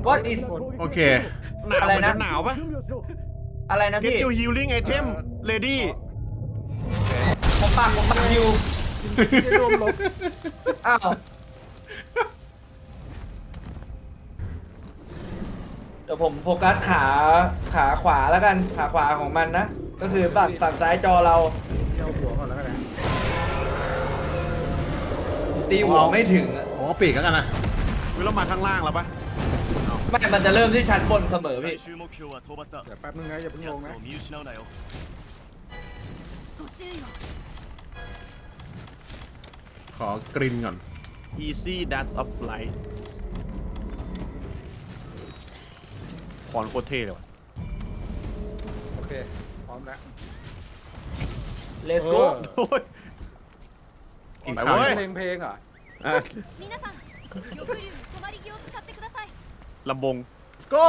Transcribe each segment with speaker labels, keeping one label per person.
Speaker 1: What is
Speaker 2: โอเค
Speaker 3: หนาว
Speaker 1: อะไร
Speaker 3: เหมือน
Speaker 1: นะ
Speaker 3: หนาวปะ
Speaker 1: อะไรนะ
Speaker 3: Get
Speaker 1: พี่
Speaker 3: your healing item ready
Speaker 1: ผมปากอยู่จะรวมลบอ้าวเดี๋ยวผมโฟกัสขาขวาแล้วกันขาขวาของมันนะ ก็คือฝั่งซ้ายจอเรา
Speaker 4: เอาหัวก่อนแล้วกันนะ
Speaker 1: ตีหัวไม่ถึงอะ
Speaker 2: ผมเอาปีกแล้วกันนะ
Speaker 3: วิเรามาข้างล่างแล้วปะ
Speaker 1: ไม่มันจะเริ่มที่ชั้นบนเสมอพี่
Speaker 5: 最終目標は討伐だ
Speaker 4: เดี๋ยวแป๊บนึงนะอย่าเพิ่งลง
Speaker 5: 奴
Speaker 4: นะ
Speaker 5: を見失うなよ
Speaker 6: ご注意を
Speaker 2: ขอกรินก่อน
Speaker 3: easy dash of light คอนโคตรเท่เลยว่ะ
Speaker 4: โอเคพร้อมแล้ว
Speaker 1: Let's go
Speaker 3: โอ้ย
Speaker 2: กิน
Speaker 3: ไป
Speaker 2: ข้าว
Speaker 3: เว้ย
Speaker 4: เพลงเหรอ
Speaker 3: อ่ะ
Speaker 6: 皆さん玉竜止まり木を使ってください
Speaker 3: ลำบง
Speaker 2: let's go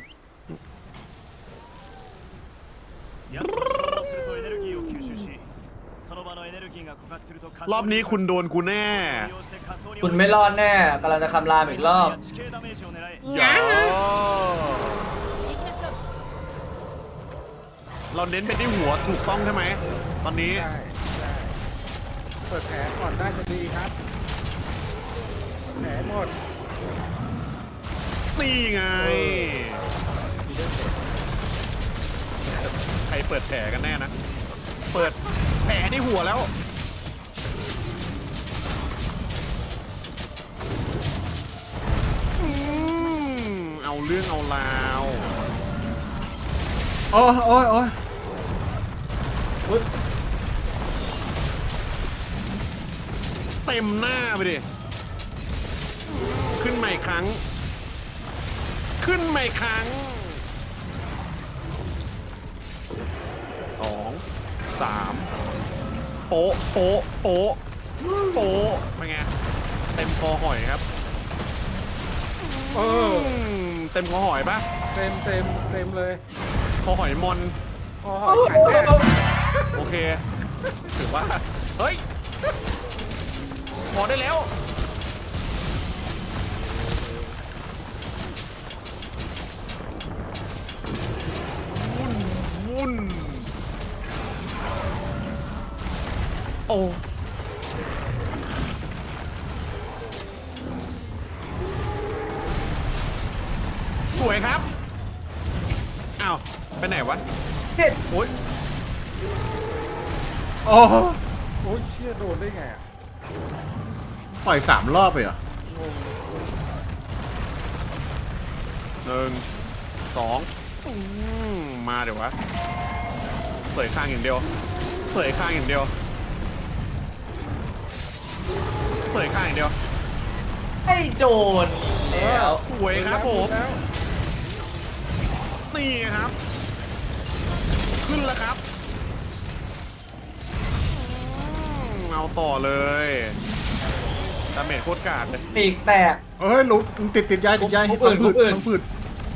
Speaker 5: 奴は消耗するとエネルギーを吸収しその場のエネルギーが枯渇すると仮
Speaker 3: รอบนี้คุณโดนกูแน่
Speaker 5: 利用して仮想に
Speaker 1: คุณไม่รอดแน่กำลังจะคำรามอีกรอบ
Speaker 5: 地形ダメージを狙え
Speaker 3: อย่า
Speaker 6: 行きましょう
Speaker 3: เราเน้นไปที่หัวถูกต้องใช่ไหม ตอนนี้
Speaker 4: ใช่ใช่เปิดแผลก่อนได้จะดีครับแผลหมด
Speaker 3: นี่ไง ใครเปิดแผลกันแน่นะ เปิดแผลที่หัวแล้ว เอาเรื่องเอาราว
Speaker 2: โอ้ยโอ้ยโอ้ย
Speaker 3: เต็มหน้าไปดิ ขึ้นใหม่ครั้ง ขึ้นใหม่ครั้งสองสามโป๊ะโป๊ะโป๊ะโป๊ะเป็นไง เต็มคอหอยครับ
Speaker 4: เออ
Speaker 3: เต็มคอหอยปะ
Speaker 4: เต็มเลย
Speaker 3: คอหอยมอน
Speaker 4: คอหอยแข็งแรง
Speaker 3: โอเค ถือว่า เฮ้ย พอได้แล้ว วุ่น วุ่น โอ้ สวยครับ อ้าว ไปไหนวะ
Speaker 1: เฮ็ด
Speaker 3: โอ๊ย
Speaker 2: โอ้
Speaker 4: โอ้ยเชี่ยโดนได้ไงอ่ะ
Speaker 2: ปล่อย3 รอบไปเหรอ
Speaker 3: หนึ่งสองมาเดี๋ยววะเสยข้างอย่างเดียวเสยข้างอย่างเดียวเสยข้างอย่างเดียว
Speaker 1: ให้โดนแล้ว
Speaker 3: สวยครับผม
Speaker 4: แล้ว
Speaker 3: นี่ครับ ขึ้นแล้วครับเอาต่อเลยดาเมจโคตรกาดเลย
Speaker 1: ปีกแตก
Speaker 2: เฮ้ยลุกติดยาย
Speaker 1: ผม
Speaker 2: พัง
Speaker 1: อื่น
Speaker 2: ผืด
Speaker 1: ผมอื่น
Speaker 2: พังผืด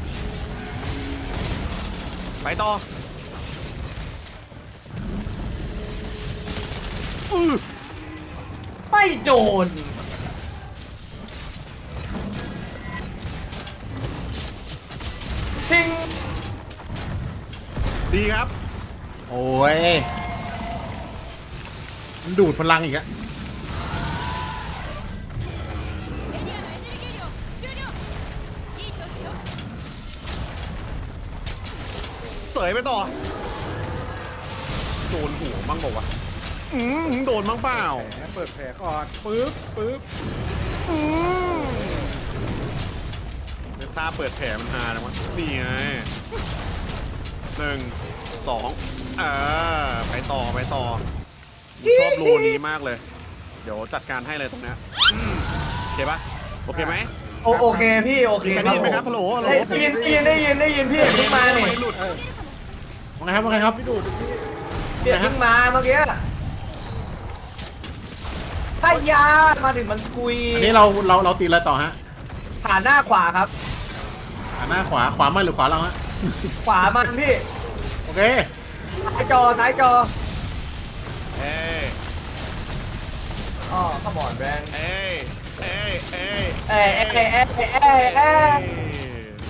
Speaker 3: ไปต่ออ
Speaker 1: ไม่โดนทิ้ง
Speaker 3: ดีครับ
Speaker 2: โอ้ยมันดูดพลังอีกอะ
Speaker 6: エリアのエネルギー量終了いい調子よ
Speaker 3: เสยไปต่อโดนหัวบ้างบอกว่าวะโดนบ้างเปล่า
Speaker 4: แผลเปิดแผลก่อนปึ๊บ
Speaker 3: เดี๋ยวตาเปิดแผลมันหาแล้ววะนี่ไงหนึ่งสองไปต่อไปต่อชอบโลนี้มากเลย เดี๋ยวจัดการให้เลยตรงเนี้ยโอเคปะโอเคไหม
Speaker 1: โอเคพี่โอเค
Speaker 3: ได้ยินไหมครับฮัลโหลฮัลโหล
Speaker 1: ได้ยินพี่เพิ่งมาเนี่ย
Speaker 3: ไม่หลุด
Speaker 2: ว่าไงครับว่าไงครับ
Speaker 4: พี่ดูดพี่
Speaker 1: พี่เพิ่งมาเมื่อกี้ถ้ายามาถึงมันกุย
Speaker 2: อันนี้เราตีอะไรต่อฮะ
Speaker 1: ขาหน้าขวาครับ
Speaker 2: หน้าขวามันหรือขวาเราฮะ
Speaker 1: ขวามันพี่
Speaker 2: โอเค
Speaker 1: ซ้ายจอ
Speaker 3: เอ้ย
Speaker 1: อ๋อขมอนแบรนด์
Speaker 3: เอ้ยเอ้ยเอ้ย
Speaker 1: เอ้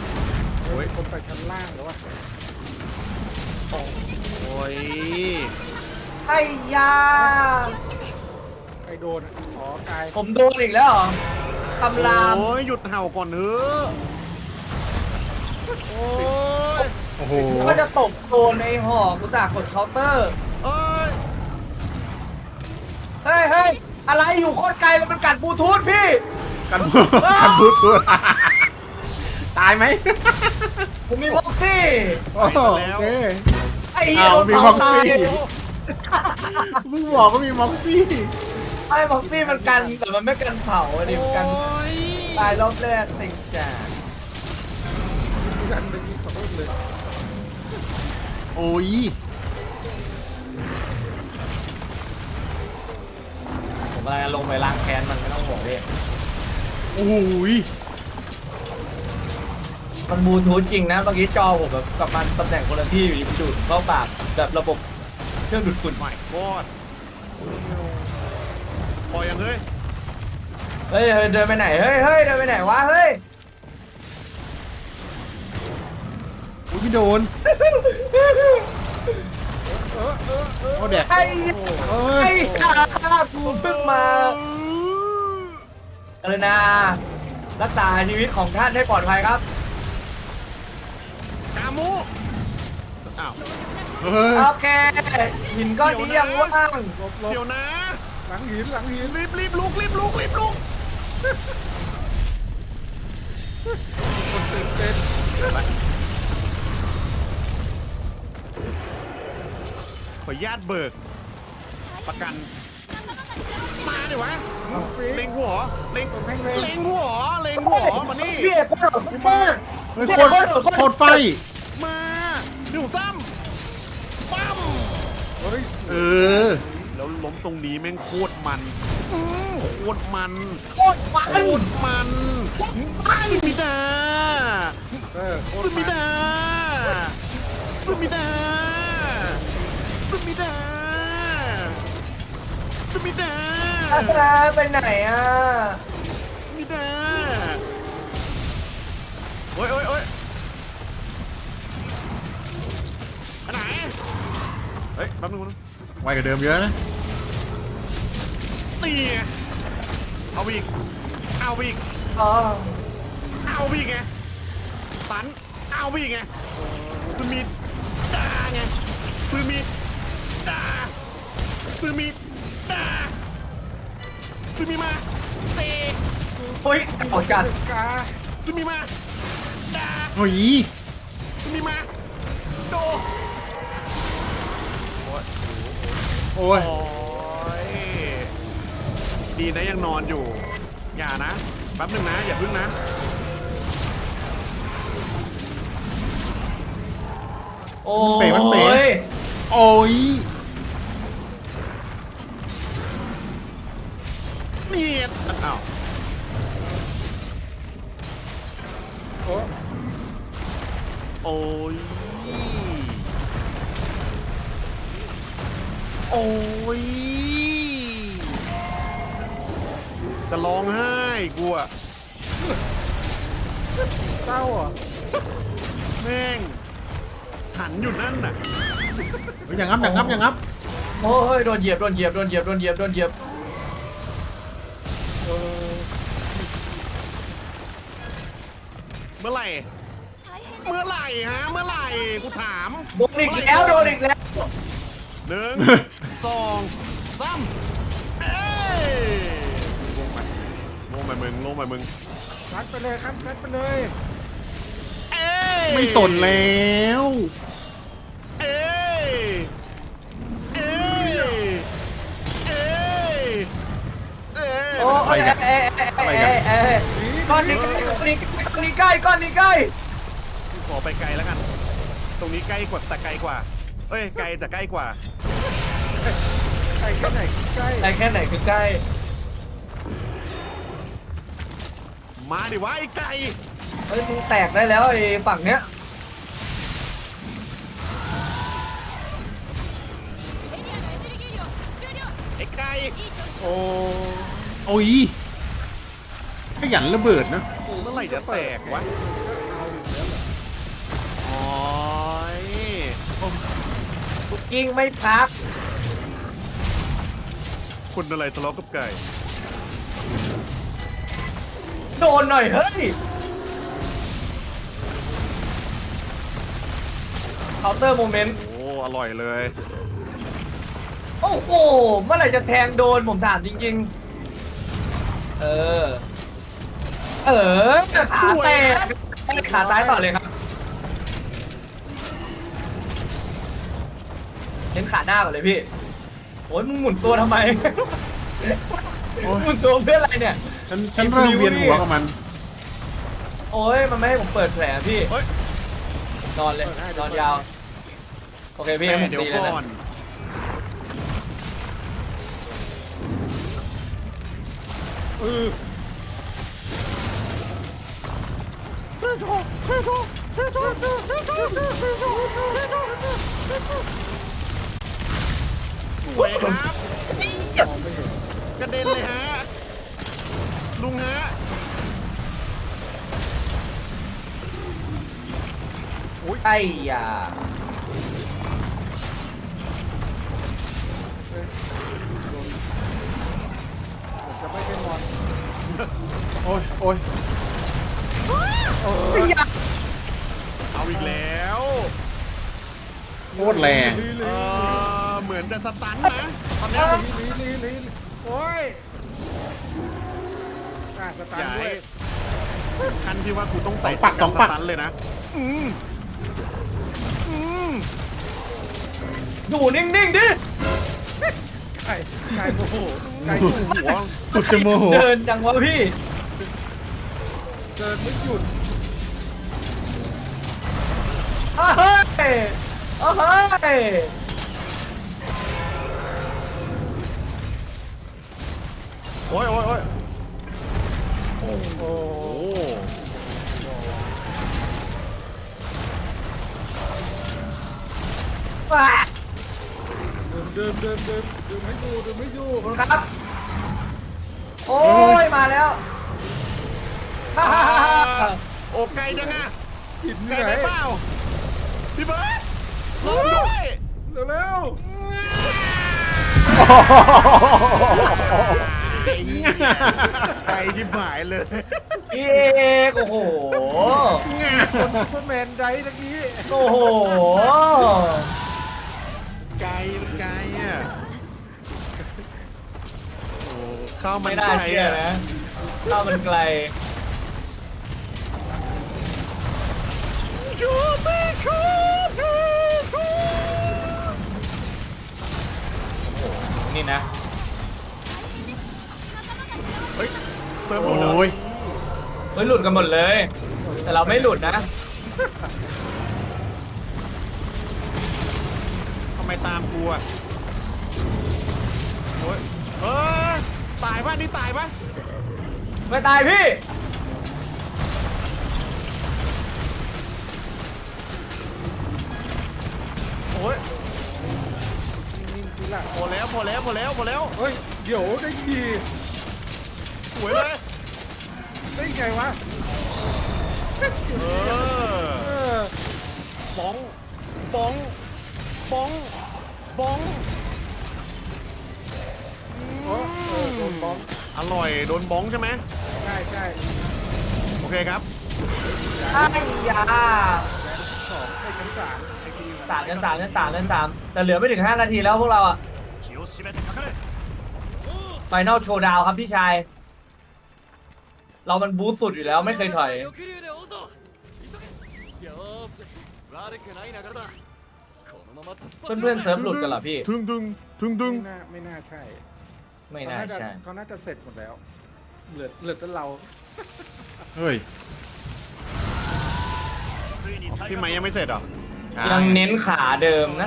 Speaker 4: ยคนไปชั้นล่างแล้ววะ
Speaker 3: โอ้ย
Speaker 1: ไอ้ยา
Speaker 4: ใครโดนอะอ๋อกาย
Speaker 1: ผมโดนอีกแล้วเหรอคำราม
Speaker 3: โอ้ยหยุดเห่าก่อนเถอะโอ้ย
Speaker 2: โอ้โห
Speaker 1: ก็จะตบโดนไอ้หอกกูจากกดเคาน์เตอร์
Speaker 3: เอ้ย
Speaker 1: เฮ้ยเฮ้ยอะไรอยู่โคตรไกลมันกัดบลูทูธพี่
Speaker 2: กันบูกันบูทูธตายไหม
Speaker 1: ผมมีบ็อกซี่
Speaker 2: โอ้โหโอเค
Speaker 1: ไอ้เหี้ย
Speaker 2: อ้าวมี
Speaker 1: โดน
Speaker 2: บ็อก
Speaker 1: เผา
Speaker 2: ซี่
Speaker 1: ตาย
Speaker 2: มึงบอกว่ามีม็อกซี่
Speaker 1: ไอ้บ็อกซี่มันกันแต่มันไม่กันเผาอะดิมันกัน
Speaker 3: โอ้ย
Speaker 1: ตายรอบแรกติงแก
Speaker 4: ดันไปยิงขอโทษเลย
Speaker 2: โอ้ย
Speaker 1: ผมกำลังจะลงไปล้างแค้นมันไม่ต้องห่วงพี่
Speaker 2: โอ้ย
Speaker 1: มันบลูทูธจริงนะเมื่อกี้จอผมแบบกับมันตำแหน่งคนละที่อยู่ดีมันดูดเข้าปากแบบระบบเครื่องดูดฝุ่น
Speaker 3: ไม่กอดพอยังเฮ้ย
Speaker 1: เฮ้ยเฮ้ยเดินไปไหนเฮ้ยเฮ้ยเดินไปไหนวะเฮ้ย
Speaker 2: อุ้ยพี่โดนโอ้แดก
Speaker 1: ไอ้
Speaker 2: เอ้
Speaker 1: ไอ้
Speaker 2: ย
Speaker 1: ข้ากูเพิ่งมาเออนารักษาชีวิตของท่านให้ปลอดภัยครับ
Speaker 3: กามูอ้าว
Speaker 2: เฮ้ย
Speaker 1: โอเคหินก้อนนี้ยังว่าง
Speaker 4: หลบหลบ
Speaker 3: เดี๋ยวนะ
Speaker 4: หลังหินหลังหิน
Speaker 3: รีบลุกรีบลุกรีบลุก
Speaker 4: คนตื่นเต้น
Speaker 3: ขออนุญาตเบิก ประกัน มาดิวะ
Speaker 4: น้องฟรี
Speaker 3: เล็งหัวเล็ง
Speaker 4: แม่งเลย
Speaker 3: เล็งหัวเล็งหัวมานี่
Speaker 1: พี่เอกโคตรโคตรมาก
Speaker 2: เฮ้ยโคตรโคตรไฟ
Speaker 3: มาดิวซ้ำปั๊ม
Speaker 4: เฮ้ย
Speaker 2: เออ
Speaker 3: แล้วล้มตรงนี้แม่งโคตรมันโคตรมัน
Speaker 1: โคตรมัน
Speaker 3: โคตรมันสมิดา
Speaker 4: โค
Speaker 3: ส
Speaker 4: ตร
Speaker 3: มิ
Speaker 4: มัน
Speaker 3: ดาสมิดาสมิดาสมิดา
Speaker 1: อาซาไปไหนอ่ะ
Speaker 3: สมิดาโอ้ยโอ้ยโอ้ยไปไหนเฮ้ยแป๊บนึงนะ
Speaker 2: ไวกว่าเดิมเยอะนะ
Speaker 3: ตีไงเอาไปอีกเอาไปอีก
Speaker 1: อ๋อ
Speaker 3: เอาไปอีกไงตันเอาไปอีกไงสมิดาไงสมิดาสมิดาสมิมาเซ
Speaker 1: เฮ้ยเก่าจัด
Speaker 4: กา
Speaker 3: สมิมาดา
Speaker 2: โอ้ย
Speaker 3: สมิมาโด
Speaker 2: โอ้ย
Speaker 3: โอ้ยดีนะยังนอนอยู่ อย่านะแป๊บหนึงนะอย่าพึ่งนะ
Speaker 1: โอ้
Speaker 2: มันเป๋มันเป๋
Speaker 1: ย
Speaker 2: โอ้ย
Speaker 3: นี่อ้าว
Speaker 4: โอ้
Speaker 3: โอ้ยโอ้ยจะร้องไห้กูอะ
Speaker 4: เศร้าอ่ะ
Speaker 3: แม่งหันอยู่นั่นน่ะ
Speaker 2: เฮ้ยอย่างงับอย่างงับอย่างงับ
Speaker 1: โอ้ยโดนเหยียบโดนเหยียบโดนเหยียบโดนเหยียบโดนเหยียบ
Speaker 3: เมื่อไหร่เมื่อไหร่ฮะเมื่อไหร่กูถาม
Speaker 1: โดนอีกแล้วโดนอีกแล้ว
Speaker 3: หนึ่ง สองสามเอ้ยลงไปลงไปมึงลงไปมึง
Speaker 4: ซัดไปเลยครับซัดไปเลย
Speaker 3: เอ้ย
Speaker 2: ไม่สนแล้ว
Speaker 3: เอ้ยเอ้ยเอ้ยเอ้ย
Speaker 1: โอ้ยก้อนนี้ก้อนนี้ใกล้ก้อนนี้ใกล้
Speaker 3: ขอไปไกลแล้วกัน ตรงนี้ใกล้กว่าแต่ไกลกว่าเอ้ยไกลแต่ใกล้กว่า
Speaker 4: ใกล้แค่ไหนใกล้
Speaker 1: ใกล้แค่ไหนคือใกล้
Speaker 3: มาดิวะไอ้ไก่
Speaker 1: เฮ้ยมึงแตกได้แล้วไอ้ฝั่งเนี้ย
Speaker 3: ไอ้ไก่
Speaker 4: โอ้
Speaker 2: โอ้ยขยันระเบิดนะ
Speaker 3: เมื่อไหร่จะแตกวะ
Speaker 4: เอาอีกแล้วเหรอ
Speaker 1: กิ้งไม่พัก
Speaker 3: คุณอะไรทะเลาะกับไก่
Speaker 1: โดนหน่อยเฮ้ยเคาน์เตอร์โมเมนต์
Speaker 3: โอ้อร่อยเลย
Speaker 1: โอ้โหเมื่อไหร่จะแทงโดนผมถามจริงๆ เออขาแตกขาซ้ายต่อเลยครับเน้นขาหน้าก่อนเลยพี่โอ้ยมึงหมุนตัวทำไม
Speaker 2: โอ้ย
Speaker 1: หมุนตัวเพื่ออะไรเนี่ย
Speaker 2: ฉันเริ่มเวียนหัวกับมัน
Speaker 1: โอ้ยมันไม่ให้ผมเปิดแผลพี่
Speaker 3: เฮ้ย
Speaker 1: นอนเลยนอนยาว โอเคพี่
Speaker 3: แม่
Speaker 1: ให้ผม
Speaker 3: เดี๋ยว
Speaker 1: ตีเลย
Speaker 3: ก่อ
Speaker 1: นะ
Speaker 3: น สวยครับ กระเด็นเลยฮะ ลุงฮะ
Speaker 1: ไอ้ยา
Speaker 4: จะไม่เป็นมอน
Speaker 2: โอ้ยโอ้ย
Speaker 3: เอาอีกแล้ว
Speaker 2: โคตรแรง
Speaker 3: เหมือนจะสตันนะตอนเนี้ย
Speaker 4: ลีโอ้ยสตา
Speaker 3: ให
Speaker 4: ร์
Speaker 3: ญ่
Speaker 4: ทด้วย
Speaker 3: คันที่ว่ากูต้องใส่
Speaker 2: สองปัก
Speaker 3: สตันเลยนะ
Speaker 1: อยู่นิ่งๆดิ
Speaker 4: ไก่โอ้โหไก่
Speaker 3: หัว
Speaker 2: สุดจะโมโห
Speaker 1: เดินจังวะพี่
Speaker 4: เดินไม่หยุด
Speaker 1: เฮ้ยเฮ้ย
Speaker 3: โอ้ยโอ้ยโอ้ย
Speaker 4: โอ้
Speaker 3: โอ้
Speaker 1: ว้า
Speaker 4: เดินไม่อยู่
Speaker 1: ขอบคุณครับ โอ้ย มาแล้ว
Speaker 3: โอ้ไกลจังอะ
Speaker 4: ผิด
Speaker 3: ไกล
Speaker 4: ที่ไห
Speaker 3: ไป
Speaker 4: น
Speaker 3: เปล่า พี่เบิร์ดรอด้วย
Speaker 4: เร็ว
Speaker 3: ไกลที่หายเลย
Speaker 1: พี่เอกโอ้โห
Speaker 4: ๆคนซุปเปอร์แมนได้ตะกี้
Speaker 1: โอ้โห
Speaker 3: ไกลมันไกลอ่ะโอ้ข้าวมั
Speaker 1: ไม่
Speaker 3: น
Speaker 1: น่า
Speaker 3: ไกล
Speaker 1: เชื่อ
Speaker 3: อ่ะ
Speaker 1: นะข้าวมันไกล
Speaker 3: ชูปี้ชูปี้ชู
Speaker 1: นี่นะ
Speaker 3: เฮ้ยเซิร์ฟหลุดเหรอ
Speaker 2: โอ้ย
Speaker 1: เฮ้ยหลุดกันหมดเลย แต่เราไม่หลุดนะ
Speaker 3: ทำไมตามกูอ่ะโอ้ยตายป่ะนี่ตายป่ะ
Speaker 1: ไม่ตายพี่
Speaker 3: โอ้ย
Speaker 4: นิ่งๆทีหลัง
Speaker 3: พอแล้วพอแล้วพอแล้วพอแล้ว
Speaker 4: เฮ้ยเดี๋ยวได้ขี่
Speaker 3: สวยเลย
Speaker 4: ได้ไงวะ
Speaker 3: เออบ้องบ้องบ้องบ้อง
Speaker 4: โดนบล็อก
Speaker 3: อร่อยโดนบ้องใช่ไหม
Speaker 4: ใช่
Speaker 3: โอเคครับ
Speaker 1: ไอ้ยา
Speaker 4: สองไอ้ชั้นสาม
Speaker 1: 3 แต่เหลือไม่ถึง 5 นาทีแล้วพวกเราอะ
Speaker 5: 気を締めてかかれ
Speaker 1: ไฟนอลโชว์ดาวครับพี่ชาย เรามันบูสต์สุดอยู่แล้วไม่เคยถอย
Speaker 6: 翼竜で追うぞよーし悪くない流れだこのまま突っ走る
Speaker 1: เพื่อนๆเซิร์ฟหลุดกันเหรอพี่
Speaker 3: ดึงดึงดึงดึง
Speaker 4: ไม่น่าใช่
Speaker 1: ไม่น่าใช่
Speaker 4: เขาน่าจะเสร็จหมดแล้ว เหลือแต่เรา
Speaker 2: เฮ้ย
Speaker 5: ついに最
Speaker 3: พี่
Speaker 5: 後
Speaker 3: ไม้ยังไม่เสร็จเหรอ
Speaker 1: ยังเน้นขาเดิมนะ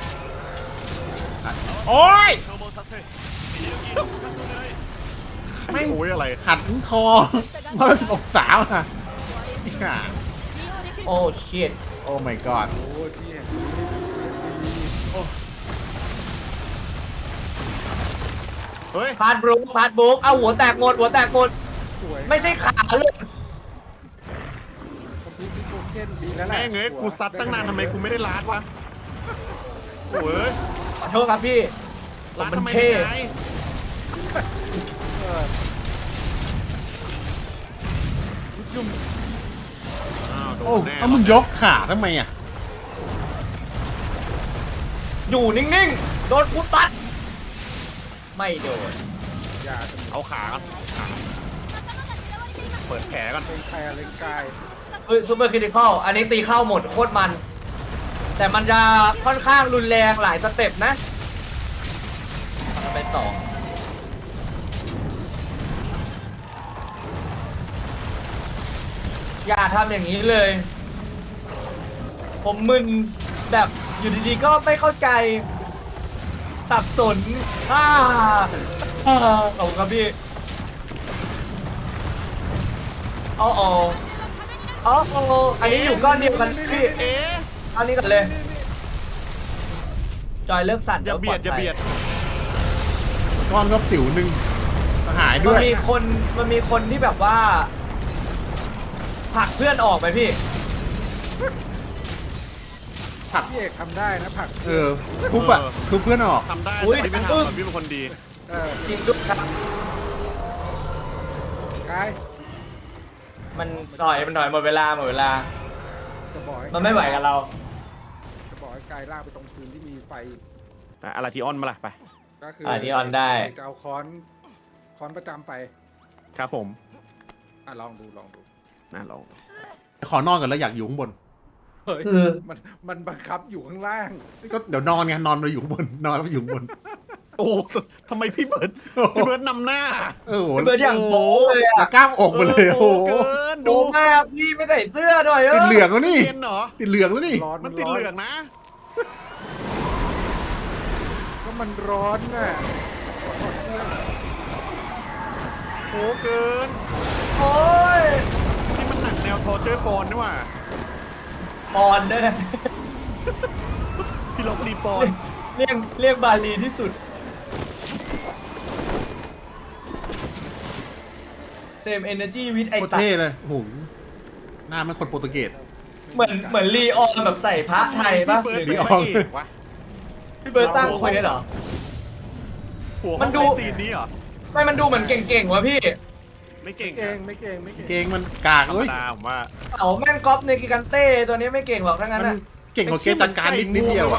Speaker 2: โอ้ย
Speaker 5: 消耗させてエネルギーの枯渇を狙え
Speaker 2: ไม่ง
Speaker 3: โอ้ยอะไร
Speaker 2: หันคอ110 องศาอ่ะเนี่ย
Speaker 1: โอ้ชิต
Speaker 2: โอ้ my god
Speaker 4: โอ้ยที่แห่งนี้
Speaker 3: เฮ้ย
Speaker 1: พาดบลุกเอาหัวแตกหมด
Speaker 4: สวย
Speaker 1: ไม่ใช่ขาเลย
Speaker 4: คอมพิวเตอร์โทเค็นดีแล้วแหละ
Speaker 3: แม่งเอ้ยกูซัดตั้งนานทำไมกูไม่ได้ลาดวะ
Speaker 4: ก
Speaker 3: โอ้ย
Speaker 1: ขอโทษครับพี่ผม
Speaker 3: ร้าน
Speaker 1: มัน
Speaker 3: ทำไม
Speaker 1: เท่
Speaker 3: เป็นไงอ้าวโด
Speaker 2: โอ้
Speaker 3: นแน่
Speaker 2: เอามึงยกขาทำไมอ่ะ
Speaker 1: อยู่นิ่งๆ โดนกูตัด ไม่โดน
Speaker 4: อย่าจะ
Speaker 3: เอาขากันขาเปิดแผลก่อน
Speaker 4: เป็นแพรเล็งกาย
Speaker 1: เฮ้ยซูเปอร์คริติคอลอันนี้ตีเข้าหมดโคตรมัน แต่มันจะค่อนข้างรุนแรงหลายสเต็ปนะทำไปต่อ อย่าทำอย่างนี้เลย ผมมึนแบบอยู่ดีๆก็ไม่เข้าใจ สับสนขอบคุณครับพี่อ๋ออันนี้อยู่ก้อนเดียวกันพี่
Speaker 3: เอ๊ะ
Speaker 1: อันนี้กันเลย จอยเลิกสั่น
Speaker 3: อย่าเบียดอย่าเบียด
Speaker 2: ก้อนก็สิวหนึ่งหาย
Speaker 1: มั
Speaker 2: ด้
Speaker 1: น
Speaker 2: วย
Speaker 1: มีคนที่แบบว่าผลักเพื่อนออกไปพี่
Speaker 4: พี่เอกทำได้นะผัก
Speaker 2: เออทุบอ่ะทุบเพื่อนออก
Speaker 3: ทำได้
Speaker 1: อุ๊ย
Speaker 3: แต่พี่ไม่ทำอะพี่เป็นคนดี
Speaker 4: เออ
Speaker 1: จริงด้วยครับ
Speaker 4: กาย
Speaker 1: มันถอยหมดเวลา
Speaker 4: จะบอกให้
Speaker 1: มันไม่ไหวกับเรา
Speaker 4: จะบอกให้กายลากไปตรงพื้นที่มีไฟ
Speaker 3: แต่อะไรที่ออนมาล่ะไป
Speaker 4: ก็คือ
Speaker 1: ที่ออนได้
Speaker 4: จะเอาค้อนประจำไป
Speaker 3: ครับผม
Speaker 4: ลองดู
Speaker 3: น่าลอง
Speaker 2: ขอนอนก่อนแล้วอยากอยู่ข้างบน
Speaker 4: เฮ้ย
Speaker 1: คือ
Speaker 4: มันบังคับอยู่ข้างล่าง
Speaker 2: ก็เดี๋ยวนอนไงนอนเราอยู่ข้างบนนอนแล้วอยู่ข้างบน
Speaker 3: โอ้ทำไมพี่เบิร์ดนำหน้า
Speaker 2: เออโห
Speaker 1: เบิร์ดอย่างโป๊เลย
Speaker 2: แล้
Speaker 1: อะ
Speaker 2: วกล้ามอกมาเลยโอ้โห
Speaker 3: เกิน
Speaker 1: ดู
Speaker 3: ดู
Speaker 1: มากพี่ไม่ใส่เสื้อหน่อย
Speaker 2: ติดเหลืองแล้วนี่
Speaker 3: เย็นเหรอ
Speaker 2: ติดเหลืองแล้วนี่
Speaker 4: ร้อน
Speaker 3: มันติดเหลืองนะ
Speaker 4: ก็มันร้อนน่ะ
Speaker 3: โอ้เกิน
Speaker 1: โอ้ย
Speaker 3: นี่มันหนังแนวทอร์เจอร์ปอนนี่หว่า
Speaker 1: ปอนด้วยนะ
Speaker 3: พี่ลบรีปอน
Speaker 1: เรียกบาลีที่สุดเซมเอเนอร์จีวิทไอ
Speaker 2: โคตร
Speaker 1: ตัด
Speaker 2: เท่เลยโอ้โหหน้ามันคนโปรตุเกส
Speaker 1: เหมือนลีออนแบบใส่พระไทยป่ะ
Speaker 3: พี่เบิร์ด
Speaker 1: หรือ
Speaker 3: เป็นพระเอกวะ
Speaker 1: พี่เบิร์ดสร้างเควสเหรอ
Speaker 3: หัว
Speaker 1: มั
Speaker 3: มัน น
Speaker 1: ดู
Speaker 3: ดูซีนนี้เหรอ
Speaker 1: ไม่มันดูเหมือนเก่งๆวะพี่
Speaker 3: ไม่เก่ง
Speaker 4: ไม่เก่ง
Speaker 2: เกงมันกาก
Speaker 3: ธรรม
Speaker 2: เอ้ย
Speaker 3: ดาผมว่า
Speaker 1: เอาแม่งก๊อปในกิกันเต้ตัวนี้ไม่เก่งหรอกทั้งนั้น
Speaker 2: มัน
Speaker 1: อะ
Speaker 2: เก่งกว่าเกมจัดการนิดเดียวอะ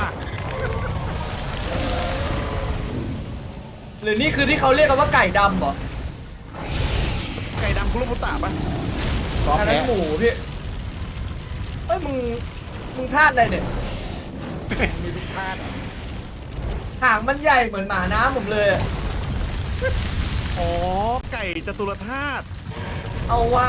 Speaker 1: หรือนี่คือที่เขาเรียกกันว่าไก่ดำเหรอ
Speaker 3: ไก่ดำคุโรบุตะปะ
Speaker 2: ซอฟ
Speaker 1: อัน
Speaker 2: แพ้
Speaker 1: นั้นหมูพี่เอ้ยมึงพลาดอะไรเนี่ย
Speaker 4: มีทุกท่าตุ
Speaker 1: หางมันใหญ่เหมือนหมาน้ำผมเลยอะ
Speaker 3: อ๋อไก่จตุรธาตุ
Speaker 1: เอาว่า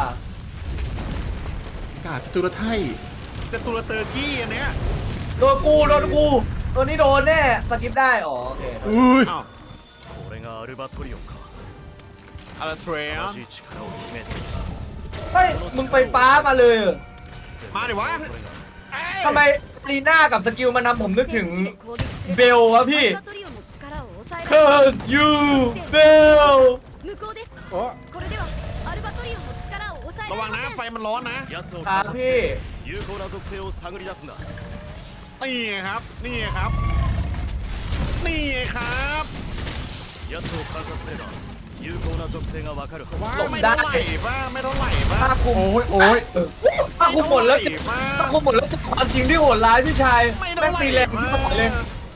Speaker 2: กาดจตุรไทย
Speaker 3: จตุรเตอร์กี้อันเนี้ย
Speaker 1: โดนกูตัวนี้โดนแน่สกิปได้อ๋อโอเค
Speaker 2: อุ้ย
Speaker 3: อ้าว
Speaker 5: これがアルバトリオンか
Speaker 3: อาราเทรีย
Speaker 5: 同じ力を秘めている
Speaker 1: เฮ้ยมึงไฟฟ้ามาเลยเหรอ
Speaker 3: มาดิวะ
Speaker 5: それが
Speaker 1: ทำไมลีน่ากับสกิลมันทำผมนึกถึงเบลวะพี่ Curse you Bell
Speaker 7: 向こうです
Speaker 4: โอ้
Speaker 7: これではアルバトリオンの力を抑え
Speaker 3: ระ
Speaker 7: ら
Speaker 3: วัง
Speaker 7: れ
Speaker 3: นะ
Speaker 7: ま
Speaker 3: ไฟ
Speaker 7: せん
Speaker 3: มันร้อนนะ
Speaker 5: 奴を
Speaker 1: ครับ
Speaker 5: 観察し
Speaker 1: พี่
Speaker 5: て有効な属性を探り出すんだ
Speaker 3: นี่ไงครับ นี่ไงครับ นี่ไงครับ
Speaker 5: 奴を観察すれば有効な属性がわかるはず
Speaker 3: ว้า
Speaker 1: หลบ
Speaker 3: ไม่
Speaker 1: ได้
Speaker 3: เท่าไหร่ป่ะไม่เท่าไหร่ป่ะ
Speaker 1: ผ้าคลุม
Speaker 2: โอ้ยโอ้ย
Speaker 1: ผ้าคลุมหมดแล้ว
Speaker 3: ไม่เท่าไหร่
Speaker 1: ผ้าคลุมหมดแล้วความจริงที่โหดร้ายพี่ชาย
Speaker 3: ไม่
Speaker 1: แม่
Speaker 3: เท่าง ไหร่
Speaker 1: ตีแรงที่สุดเลย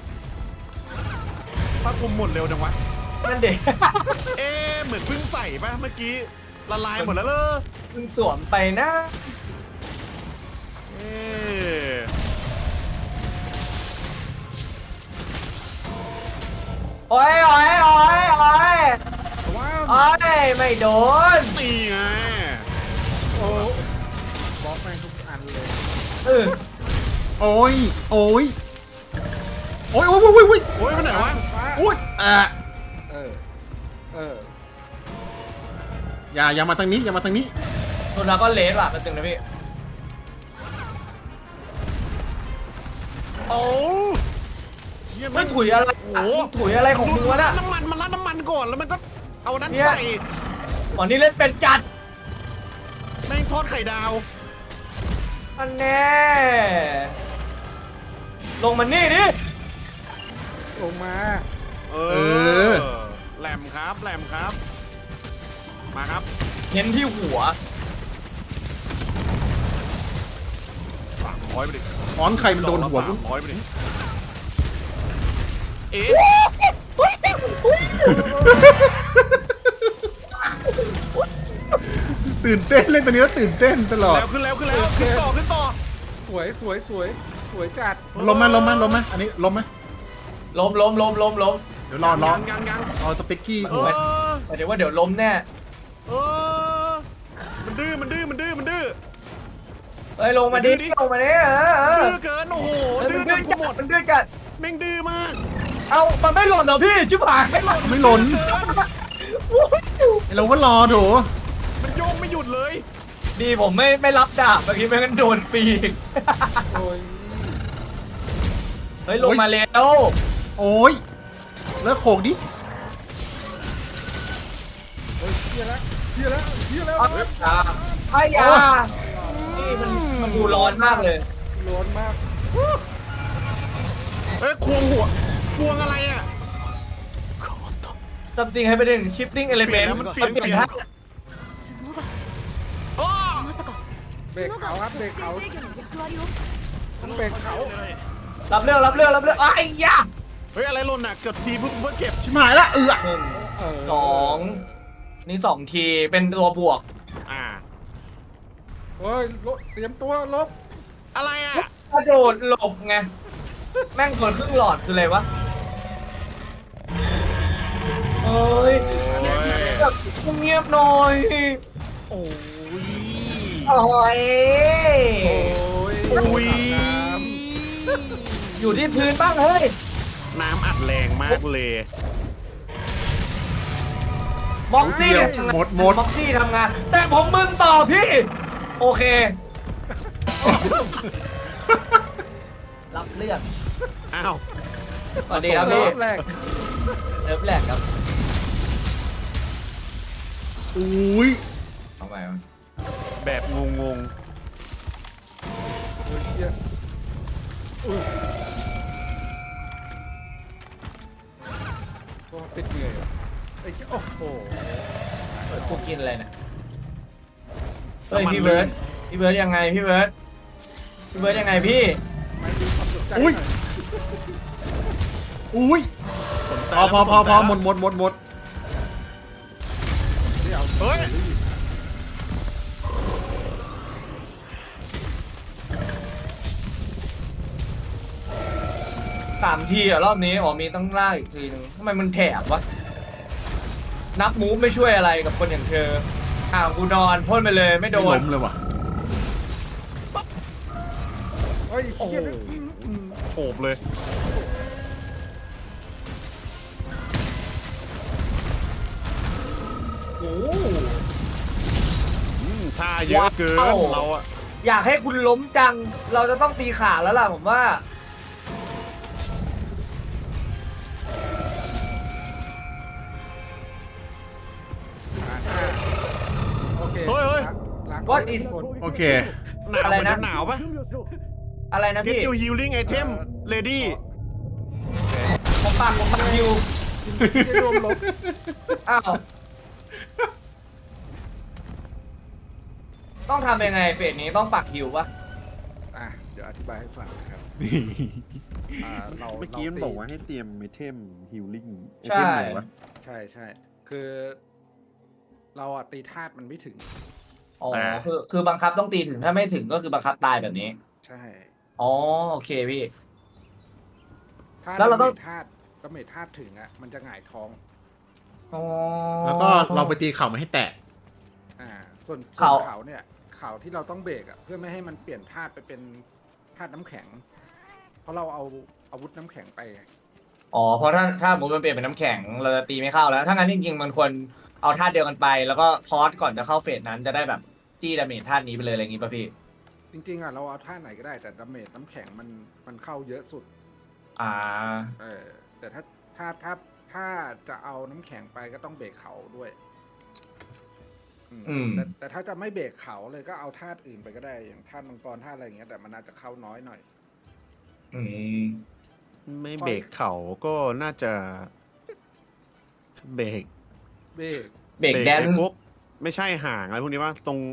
Speaker 3: ผ้าคลุมหมดเร็วจังวะ
Speaker 1: นั่นเด็ก
Speaker 3: เอ๊ะเหมือนเพิ่งใส่ป่ะเมื่อกี้ละลายหมดแล้วเลย
Speaker 1: มึงสวมไปนะ
Speaker 3: เอ๊ะ
Speaker 1: โอ้ยไม่โดน
Speaker 3: นี่ไง
Speaker 4: โอ้บล็อกแม่งทุกอันเลย
Speaker 1: เออ
Speaker 2: โอ้ยโอ้ยโอ้ยโอ้ยโอ้ยโอ้ย
Speaker 3: โอ้ยไปไหนวะ
Speaker 4: ฟ้า
Speaker 2: โอ้ย
Speaker 4: เออ
Speaker 2: อย่ามาทางนี้อย่ามาทางนี้
Speaker 1: โดนแล้วก็เลสว่ะมันตึงนะพี่
Speaker 3: โอ้เหี้ย
Speaker 1: ไม่ถุยอะไร
Speaker 3: โอ้โห
Speaker 1: ถุยอะไรของมึงวะน่ะ
Speaker 3: น้ำมันมันราดน้ำมันก่อนแล้วมันก็เอานั้น
Speaker 1: เนี่ย
Speaker 3: ใส่
Speaker 1: อ๋อนี่เล่นเป็นจัด
Speaker 3: แม่งทอดไข่ดาว
Speaker 1: อันแน่ลงมานี่ดิ
Speaker 4: ลงมา
Speaker 3: เอ
Speaker 2: อ
Speaker 3: แหลมครับแหลมครับ มาครับ
Speaker 1: เน้นที่หัว
Speaker 3: 300ไปดิ
Speaker 2: ค้อนใครมันโดนหัวกู
Speaker 3: 300ไปดิเอ๊ะ
Speaker 2: ตื่นเต้นเล่นตัวนี้แล้วตื่นเต้นตลอด
Speaker 3: แล้วขึ้นแล้วขึ้นแล้วขึ้นต่อขึ้นต่อ
Speaker 4: สวยสวยสวยสวยจัด
Speaker 2: ล้มไหมล้มไหมล้มไหมอันนี้ล้มไหม
Speaker 1: ล้ม
Speaker 2: เดี๋ยวรอ
Speaker 3: ยัง
Speaker 2: เอาสเต็กกี้
Speaker 3: เอ
Speaker 2: หัว
Speaker 3: อ
Speaker 1: หมายถึงว่าเดี๋ยวล้มแน่
Speaker 3: เออมันดื้อมันดื้อมันดื้อมันดื้อ
Speaker 1: เฮ้ยลงมาดิ
Speaker 3: ดื้อดิ
Speaker 1: ลงมาดิ
Speaker 3: ดื้อเกินโอ้โห
Speaker 1: เฮ้ย
Speaker 3: ดื้
Speaker 1: มั
Speaker 3: อน จ
Speaker 1: ดื้
Speaker 3: น
Speaker 1: อ
Speaker 3: กู
Speaker 1: จั
Speaker 3: หม
Speaker 1: ด
Speaker 3: ด
Speaker 1: มันดื้อจัด
Speaker 3: แม่งดื้อมาก
Speaker 1: เอามันไม่หล่นเหรอพี่ชิบหายไม่หล่น
Speaker 2: ไม่หล่นไอ้เราก็รอโถ
Speaker 3: มันโยกไม่หยุดเลย
Speaker 1: ดีผมไม่รับดาบเมื่อกี้ไม่งั้นโดนฟรีอีก
Speaker 4: โอ้ย
Speaker 1: เฮ้ยลงมาแล้ว
Speaker 2: โอ้ยเลิกโขกดิ
Speaker 4: เฮ้ยเฮียแล้วเฮียแล้วเฮียแล้ว
Speaker 1: ไอ้ยานี่มันดูร้อนมากเลย
Speaker 4: ร้อนมาก
Speaker 3: เอ้ยควงหัวควงอะไรอ่ะ
Speaker 1: something happening shifting
Speaker 3: เปลี่ย
Speaker 1: element
Speaker 3: นแล้วมันเปลี่ยน
Speaker 1: ท่า
Speaker 7: 角が
Speaker 3: อ้อ
Speaker 7: まさか
Speaker 4: เบรกเขาครับเบรกเขา
Speaker 7: 制御の役割を
Speaker 4: ต้องเบรกเขา
Speaker 1: รับเรื่องไอ้ยา
Speaker 3: เฮ้ยอะไรหล่นอ่ะเกือบทีเพิ่งเก็บ
Speaker 2: ชิบหายละ
Speaker 1: หนึ่งสองนี่2 ทีเป็นตัวบวก
Speaker 3: อ่า
Speaker 4: เฮ้ยลบเตรียมตัวลบ
Speaker 3: อะไรอ่ะ
Speaker 1: กระโดดหลบไงแม่งเกินครึ่งหลอดคืออะไรวะเฮ้ย
Speaker 3: โอ้ย
Speaker 1: แบบเงียบหน่อย
Speaker 3: โอ้ย
Speaker 1: โอ้ย
Speaker 4: โอ้ย
Speaker 3: อุ้ย
Speaker 1: อยู่ที่พื้นบ้างเฮ้ย
Speaker 3: น้ำอัดแรงมากเลย
Speaker 1: ม็อกซี่
Speaker 2: เดี๋ยว
Speaker 1: ทำงาน
Speaker 2: หมด
Speaker 1: ม็อกซี่ทำงาน แต่ผมมึนต่อพี่ โอเค รับเลือก
Speaker 3: อ้าว
Speaker 1: สวัสดีครับพี่
Speaker 4: รอบแรก
Speaker 1: เริ่มแรกครับ
Speaker 2: อุ้ย
Speaker 1: เอาใหม่
Speaker 3: แบบงง
Speaker 4: เฮ้ยเฮียอุ้ยก็ติดเหนื่อยว่ะไอ้เหี้ยโอ้โห
Speaker 1: กูกินอะไรเนี่ยเฮ้ยพี่เบิร์ดยังไงพี่เบิร์ดยังไงพี่
Speaker 4: ไม่ดูความสนใจ
Speaker 2: อุ้ย
Speaker 4: หน่อย
Speaker 2: อุ้ย
Speaker 3: ๆสนใจ
Speaker 2: พอ
Speaker 3: แล้ว
Speaker 2: หม
Speaker 3: สนใจ
Speaker 2: ด
Speaker 4: เดี๋ยว
Speaker 3: เฮ้ย
Speaker 1: 3 ทีอะรอบนี้อ๋อมีต้องล่ากอีกทีนึงทำไมมันแถบวะนับมูฟไม่ช่วยอะไรกับคนอย่างเธอกูนอนพ่นไปเลยไม่
Speaker 2: ไม่
Speaker 1: โด
Speaker 2: ล้
Speaker 1: น
Speaker 2: มเลยว่ะ
Speaker 4: เฮ้ย
Speaker 3: โอ้โห
Speaker 4: เฮียอืม
Speaker 3: โฉบเลย
Speaker 1: โอ้
Speaker 3: ท่าเยอะเกิน
Speaker 1: ว้าว
Speaker 3: เราอะ
Speaker 1: อยากให้คุณล้มจัง เราจะต้องตีขาแล้วล่ะผมว่า
Speaker 4: โอเค
Speaker 3: เฮ้ยเฮ้ย
Speaker 4: ล้าง
Speaker 1: What is
Speaker 4: คน
Speaker 2: โอเค
Speaker 3: หนาว
Speaker 1: อะไร
Speaker 3: เหมือน
Speaker 1: นะ
Speaker 3: จะหนาวปะ
Speaker 1: อะไรนะ
Speaker 3: Get
Speaker 1: พี่
Speaker 3: your healing item ready
Speaker 1: ผมปากฮิว
Speaker 4: ที่รวมลบ
Speaker 1: อ้าวต้องทำยังไงเฟสนี้ต้องปักฮิวปะ
Speaker 4: อ่ะเดี๋ยวอธิบายให้ฟังนะครับเรา
Speaker 3: เมื่อกี้มัน
Speaker 4: ตี
Speaker 3: บอกว่าให้เตรียมไอเทม healing
Speaker 1: ใช่
Speaker 3: ไหนวะ
Speaker 4: ใช่ใช่คือ เราอะตีธาตุมันไม่ถึง
Speaker 1: อ๋อคือบังคับต้องตีถึงถ้าไม่ถึงก็คือบังคับตายแบบนี้
Speaker 4: ใช่
Speaker 1: อ๋อโอเคพี่
Speaker 4: ถ้า
Speaker 1: แล้วเราต้อง
Speaker 4: ธาตุดาเมจธาตุถึงอะมันจะหงายท้อง
Speaker 1: อ๋อ
Speaker 2: แล้วก็เราไปตีเข่ามันให้แตก
Speaker 4: ส่วน
Speaker 1: เขา
Speaker 4: เขาเนี่ยเขาที่เราต้องเบรกอะเพื่อไม่ให้มันเปลี่ยนธาตุไปเป็นธาตุน้ำแข็ง เพราะเราเอาอาวุธน้ำแข็งไปไง
Speaker 1: อ๋อเพราะถ้าสมมติมันเปลี่ยนเป็นน้ำแข็งเราจะตีไม่เข้าแล้วถ้างั้นจริงๆมันควรเอาธาตุเดียวกันไป แล้วก็พอสก่อนจะเข้าเฟสนั้นจะได้แบบจี้ดาเมจธาตุนี้ไปเลยอะไรอย่างงี้ป่ะพี่
Speaker 4: จริงๆอะเราเอาธาตุไหนก็ได้แต่ดาเมจน้ำแข็งมันเข้าเยอะสุด
Speaker 1: อ่า
Speaker 4: แต่ถ้าจะเอาน้ำแข็งไปก็ต้องเบรกเขาด้วยแต่ถ้าจะไม่เบรกเขาเลยก็เอาธาตุอื่นไปก็ได้อย่างธาตุมังกรธาตุอะไรอย่างเงี้ยแต่มันอาจจะเข้าน้อยหน่อย
Speaker 1: อืม
Speaker 3: ไม่เบรกเขาก็น่าจะเบรก
Speaker 4: เบรก
Speaker 1: เบรกแดน
Speaker 3: ไอ้พวกไม่ใช่ห่างอะไรพวกนี้ว่าตรง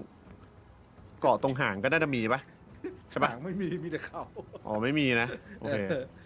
Speaker 3: เกาะตรงห่างก็น่าจะมีปะใช่ปะ
Speaker 4: หางไม่มีแต่เขา
Speaker 3: อ๋อไม่มีนะโอเค